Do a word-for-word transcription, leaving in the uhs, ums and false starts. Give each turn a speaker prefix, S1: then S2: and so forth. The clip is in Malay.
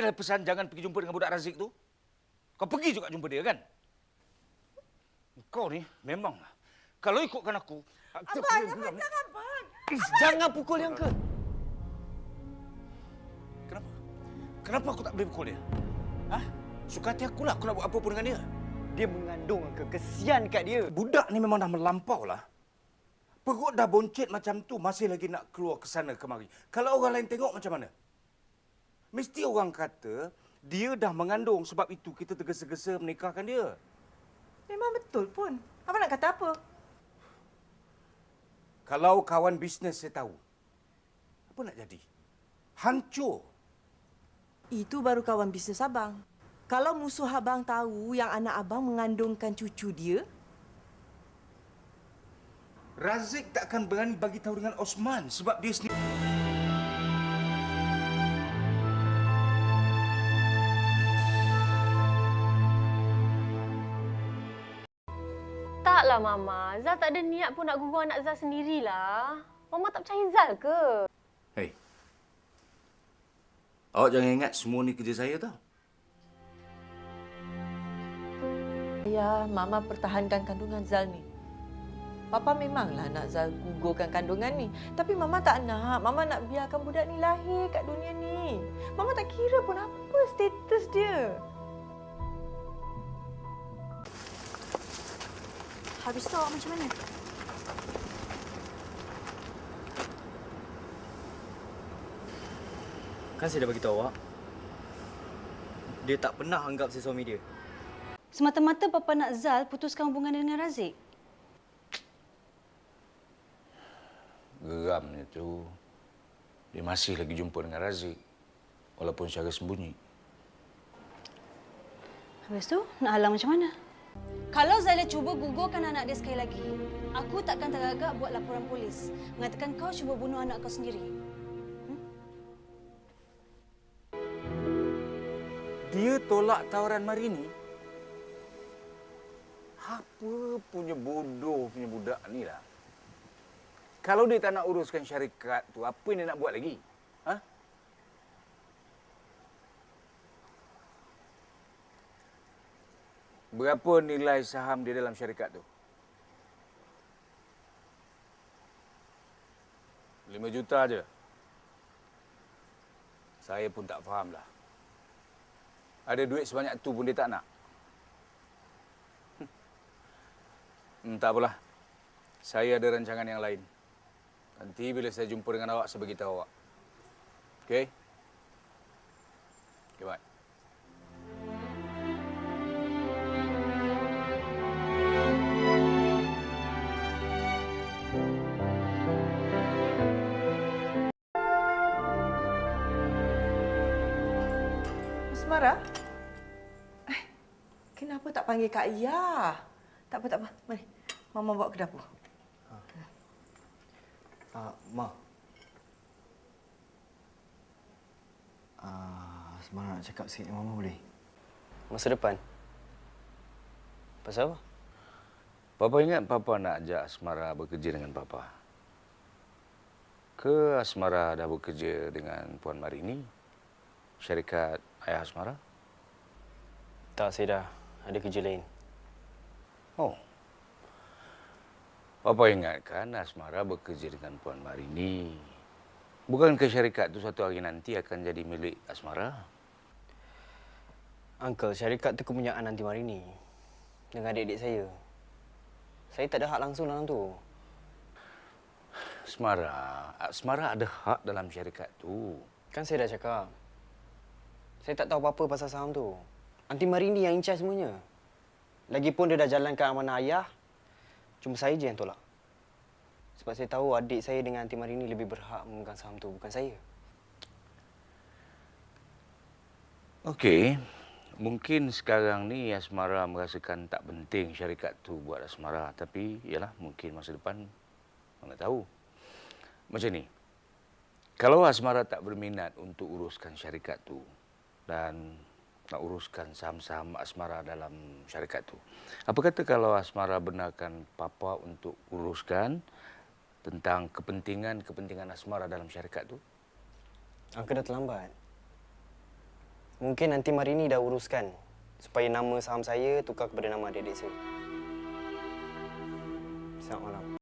S1: dah pesan jangan pergi jumpa dengan budak Razik tu. Kau pergi juga jumpa dia, kan? Kau ni memanglah. Kalau ikutkan aku...
S2: Abang, abang, jangan, abang.
S3: Jangan pukul yang ke.
S1: Kenapa? Kenapa aku tak boleh pukul dia? Hah? Suka hati akulah aku nak buat apa pun dengan dia.
S3: Dia mengandung Uncle. Kesian kat dia.
S1: Budak ni memang dah melampau lah. Perut dah boncet macam tu, masih lagi nak keluar ke sana kemari. Kalau orang lain tengok macam mana? Mesti orang kata dia dah mengandung, sebab itu kita tergesa-gesa menikahkan dia.
S2: Memang betul pun. Abang nak kata apa?
S1: Kalau kawan bisnes saya tahu, apa nak jadi? Hancur.
S2: Itu baru kawan bisnes abang. Kalau musuh abang tahu yang anak abang mengandungkan cucu dia,
S1: Razik tak akan berani bagi tahu dengan Osman sebab dia sendiri.
S4: Taklah, Mama. Zal tak ada niat pun nak gugur anak Zal sendirilah. Mama tak percaya Zal ke?
S1: Hei, awak jangan ingat semua ni kerja saya tau.
S2: ya, Mama pertahankan kandungan Zal ni. Papa memanglah nak Zal gugurkan kandungan ni. Tapi Mama tak nak. Mama nak biarkan budak ni lahir kat dunia ni. Mama tak kira pun apa status dia.
S5: Habis tu awak macam mana?
S3: Kan saya dah beritahu awak. Dia tak pernah anggap saya suami dia.
S5: Semata-mata Papa nak Zal putuskan hubungan dengan Razik.
S1: Geramnya tu, dia masih lagi jumpa dengan Razik. Walaupun secara sembunyi.
S5: Habis tu, nak halang macam mana? Kalau Zaila cuba gugurkan anak dia sekali lagi, aku takkan teragak buat laporan polis. Mengatakan kau cuba bunuh anak kau sendiri. Hmm?
S1: Dia tolak tawaran Marini. Apa punya bodoh punya budak ni lah. Kalau dia tak nak uruskan syarikat tu, apa yang dia nak buat lagi? Ha? Berapa nilai saham dia dalam syarikat tu? Lima juta aja. Saya pun tak fahamlah. Ada duit sebanyak tu pun dia tak nak. Hmm, tak apalah. Saya ada rancangan yang lain. Nanti bila saya jumpa dengan awak, saya beritahu awak. Okey? Okey, bye.
S2: Asmara? Eh, kenapa tak panggil Kak Ia? Tak apa, tak apa. Mari. Mama bawa ke dapur.
S3: Uh, Ma. Uh, Semara nak cakap sikit dengan Mama boleh?
S6: Masa depan? Pasal apa?
S1: Papa ingat Papa nak ajak Asmara bekerja dengan Papa. Ke Asmara dah bekerja dengan Puan Marini? Syarikat ayah Asmara?
S6: Tak, saya dah ada kerja lain.
S1: Oh. Papa ingatkan Asmara bekerja dengan Puan Marini. Bukankah syarikat itu suatu hari nanti akan jadi milik Asmara?
S6: Uncle, syarikat itu kepunyaan Aunty Marini dengan adik-adik saya. Saya tak ada hak langsung dalam tu.
S1: Asmara, Asmara ada hak dalam syarikat tu.
S6: Kan saya dah cakap. Saya tak tahu apa-apa pasal saham tu. Aunty Marini yang in charge semuanya. Lagipun dia dah jalankan amanah ayah. Cuma saya je yang tolak. Sebab saya tahu adik saya dengan Aunty Marini lebih berhak memegang saham tu, bukan saya.
S1: Okey. Mungkin sekarang ni Asmara merasakan tak penting syarikat tu buat Asmara. Tapi, yalah, mungkin masa depan, mana tahu. Macam ni. Kalau Asmara tak berminat untuk uruskan syarikat tu dan nak uruskan saham-saham Asmara dalam syarikat tu, apa kata kalau Asmara benarkan Papa untuk uruskan tentang kepentingan-kepentingan Asmara dalam syarikat tu?
S6: Uncle dah terlambat. Mungkin nanti Marini dah uruskan supaya nama saham saya tukar kepada nama adik-adik saya. Selamat malam.